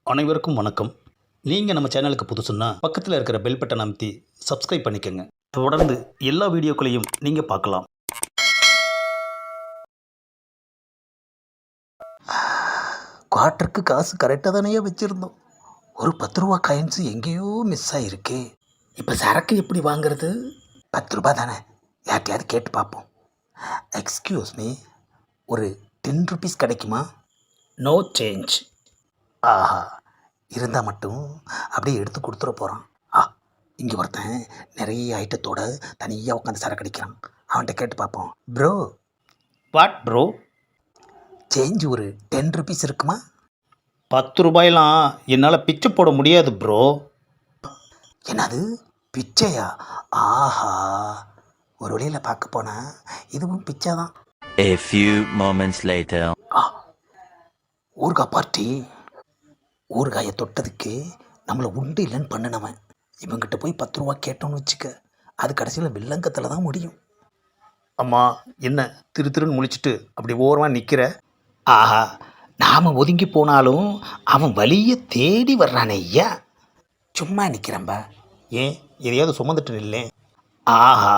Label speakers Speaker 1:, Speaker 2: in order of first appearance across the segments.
Speaker 1: அனைவருக்கும் வணக்கம். நீங்கள் நம்ம சேனலுக்கு புதுசுன்னா பக்கத்தில் இருக்கிற பெல் பட்டன் அமைத்தி சப்ஸ்கிரைப் பண்ணிக்கோங்க. தொடர்ந்து எல்லா வீடியோக்களையும் நீங்கள் பார்க்கலாம்.
Speaker 2: குவார்ட்டருக்கு காசு கரெக்டாக தானே வச்சுருந்தோம். ஒரு 10 ரூபா காயின்ஸு எங்கேயோ மிஸ் ஆகிருக்கு. இப்போ சரக்கு எப்படி வாங்குறது? 10 ரூபா தானே, யார்ட்டையாவது கேட்டு பார்ப்போம். எக்ஸ்கியூஸ் மீ, ஒரு 10 ருபீஸ் கிடைக்குமா?
Speaker 1: No change.
Speaker 2: ஆஹா, இருந்தால் மட்டும் அப்படியே எடுத்து கொடுத்துட போகிறான். இங்கே ஒருத்தன் நிறைய ஐட்டத்தோட தனியாக உட்காந்து சரக்கு அடிக்கிறான். அவன்கிட்ட கேட்டு பார்ப்போம். Bro,
Speaker 1: what bro?
Speaker 2: சேஞ்ச் ஒரு 10 ருபீஸ் இருக்குமா?
Speaker 1: 10 ரூபாயெல்லாம் என்னால் பிச்சை போட முடியாது ப்ரோ.
Speaker 2: என்னது பிச்சையா? ஆஹா, ஒரு வழியில் பார்க்க போனால் இதுவும் பிச்சை தான்.
Speaker 3: A few moments later.
Speaker 2: ஊறுகாய் பார்ட்டி. ஊறுகாயை தொட்டதுக்கு நம்மளை உண்டு இல்லைன்னு பண்ணினவன் இவங்கிட்ட போய் 10 ரூபா கேட்டோன்னு வச்சுக்க, அது கடைசியில் வில்லங்கத்தில் தான் முடியும்.
Speaker 1: அம்மா, என்ன திருன்னு முழிச்சிட்டு அப்படி ஓரமாக நிற்கிற?
Speaker 2: ஆஹா, நாம் ஒதுங்கி போனாலும் அவன் வழியை தேடி வர்றானே ஐயா. சும்மா நிற்கிறம்பா.
Speaker 1: ஏன் எதையாவது சுமந்துட்டு நில்லேன்.
Speaker 2: ஆஹா,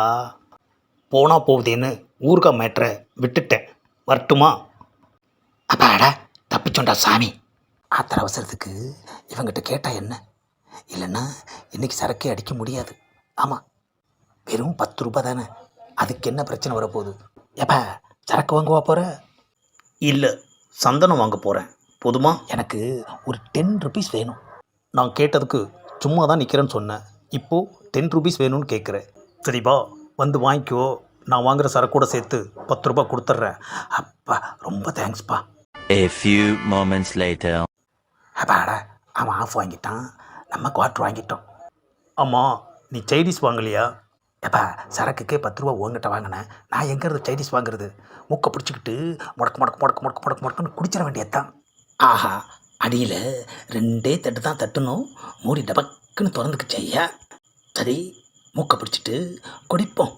Speaker 1: போனால் போகுதேன்னு ஊறுகாய் மேட்ரை விட்டுட்டேன். வரட்டுமா?
Speaker 2: அப்பாடா, தப்பிச்சோண்டா சாமி. ஆத்திர அவசரத்துக்கு இவங்கிட்ட கேட்டால் என்ன? இல்லைன்னா இன்றைக்கி சரக்கே அடிக்க முடியாது. ஆமாம், வெறும் 10 ரூபா தானே, அதுக்கு என்ன பிரச்சனை வரப்போகுது? எப்பா, சரக்கு வாங்குவா போகிற?
Speaker 1: இல்லை, சந்தனம் வாங்க போகிறேன். போதுமா?
Speaker 2: எனக்கு ஒரு 10 ருபீஸ் வேணும்.
Speaker 1: நான் கேட்டதுக்கு சும்மா தான் நிற்கிறேன்னு சொன்னேன். இப்போது 10 ருபீஸ் வேணும்னு கேட்குறேன். சரிப்பா, வந்து வாங்கிக்கோ. நான் வாங்குகிற சரக்கூட சேர்த்து 10 ரூபா கொடுத்துட்றேன்.
Speaker 2: அப்பா, ரொம்ப தேங்க்ஸ்ப்பா.
Speaker 3: A few moments later.
Speaker 2: அப்பாடா, அவன் ஆஃப் வாங்கிட்டான், நம்ம குவார்ட்ரு வாங்கிட்டோம்.
Speaker 1: ஆமாம், நீ சைனீஸ் வாங்கலையா?
Speaker 2: எப்பா, சரக்குக்கே 10 ரூபா உங்ககிட்ட வாங்கினேன், நான் எங்கேருந்து சைனீஸ் வாங்குறது? மூக்கை பிடிச்சிக்கிட்டு முடக்குன்னு குடிச்சிட வேண்டியதுதான். ஆஹா, அடியில் 2 தட்டு தான் தட்டணும், மூடி டபக்குன்னு திறந்துக்குச்சு ஐயா. சரி, மூக்கை பிடிச்சிட்டு குடிப்போம்.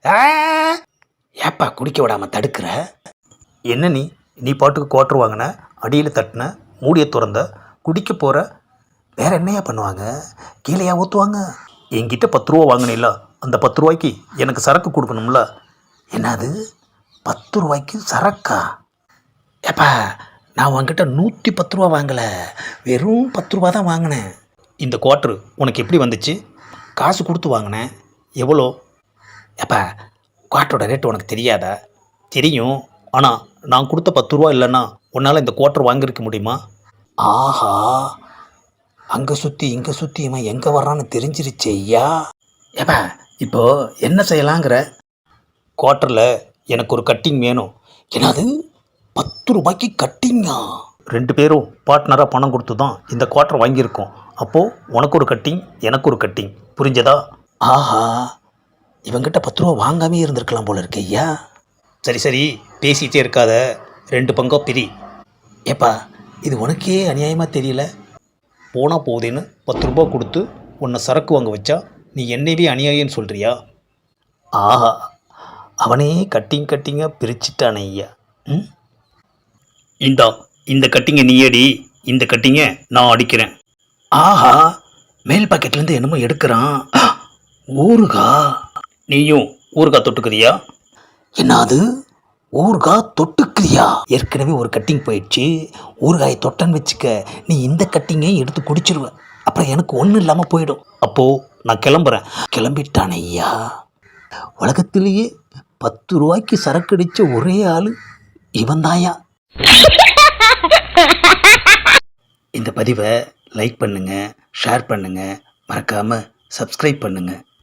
Speaker 2: ஏப்பா குடிக்க விடாமல் தடுக்கிற?
Speaker 1: என்ன நீ பாட்டுக்கு குவார்ட்ரு வாங்கின, அடியில் தட்டின, மூடியை திறந்த, குடிக்க போகிற.
Speaker 2: வேற என்னையா பண்ணுவாங்க? கீழேயா ஊற்றுவாங்க?
Speaker 1: என்கிட்ட 10 ரூபா வாங்கினில்ல, அந்த 10 ரூபாய்க்கு எனக்கு சரக்கு கொடுக்கணும்ல.
Speaker 2: என்னது, 10 ரூபாய்க்கு சரக்கா? ஏப்பா, நான் உங்ககிட்ட 110 ரூபா வாங்கலை, வெறும் 10 ரூபா தான் வாங்கினேன்.
Speaker 1: இந்த குவார்ட்ரு உனக்கு எப்படி வந்துச்சு?
Speaker 2: காசு கொடுத்து வாங்கினேன்.
Speaker 1: எவ்வளோ?
Speaker 2: ஏப்பா, குவார்ட்டரோட ரேட்டு உனக்கு தெரியாதா?
Speaker 1: தெரியும், ஆனால் நான் கொடுத்த 10 ரூபா இல்லைன்னா உன்னால் இந்த குவார்ட்ரு வாங்கியிருக்க முடியுமா?
Speaker 2: ஆஹா, அங்கே சுற்றி இங்கே சுற்றி இவன் எங்கே வர்றான்னு தெரிஞ்சிருச்சு ஐயா. ஏப்பா, இப்போது என்ன செய்யலாங்கிற?
Speaker 1: குவார்ட்டரில் எனக்கு ஒரு கட்டிங் வேணும்.
Speaker 2: என்னது, 10 ரூபாய்க்கு கட்டிங்கா?
Speaker 1: 2 பேரும் பார்ட்னராக பணம் கொடுத்து தான் இந்த குவார்ட்டர் வாங்கியிருக்கோம். அப்போது உனக்கு ஒரு கட்டிங், எனக்கு ஒரு கட்டிங். புரிஞ்சதா?
Speaker 2: ஆஹா, இவங்கிட்ட 10 ரூபா வாங்காமே இருந்திருக்கலாம் போல இருக்கு ஐயா.
Speaker 1: சரி, பேசிகிட்டே இருக்காத, 2 பங்கா பிரி.
Speaker 2: ஏப்பா, இது உனக்கே அநியாயமாக தெரியல.
Speaker 1: போனால் போகுதேன்னு 10 ரூபா கொடுத்து உன்னை சரக்கு வாங்க வச்சா நீ என்னையே அநியாயம்னு சொல்கிறியா?
Speaker 2: ஆஹா, அவனே கட்டிங்காக பிரிச்சுட்டானே ஐயா.
Speaker 1: இந்த கட்டிங்கை நீ அடி, இந்த கட்டிங்கை நான் அடிக்கிறேன்.
Speaker 2: ஆஹா, மேல் பாக்கெட்லேருந்து என்னமோ எடுக்கிறான். ஊறுகா.
Speaker 1: நீயும் ஊறுகாய் தொட்டுக்கிறியா?
Speaker 2: என்னது, ஊறுகாய் தொட்டுக்கிறியா? ஏற்கனவே ஒரு கட்டிங் போயிடுச்சு, ஊறுகாயை தொட்டன்னு வச்சுக்க, நீ இந்த கட்டிங்கையும் எடுத்து குடிச்சிருவ. அப்புறம் எனக்கு ஒன்றும் இல்லாமல் போயிடும்.
Speaker 1: அப்போது நான் கிளம்புறேன்.
Speaker 2: கிளம்பிட்டானே ஐயா. உலகத்திலேயே 10 ரூபாய்க்கு சரக்கு அடித்த ஒரே ஆள் இவன் தாயா. இந்த பதிவை லைக் பண்ணுங்கள், ஷேர் பண்ணுங்கள், மறக்காமல் சப்ஸ்கிரைப் பண்ணுங்கள்.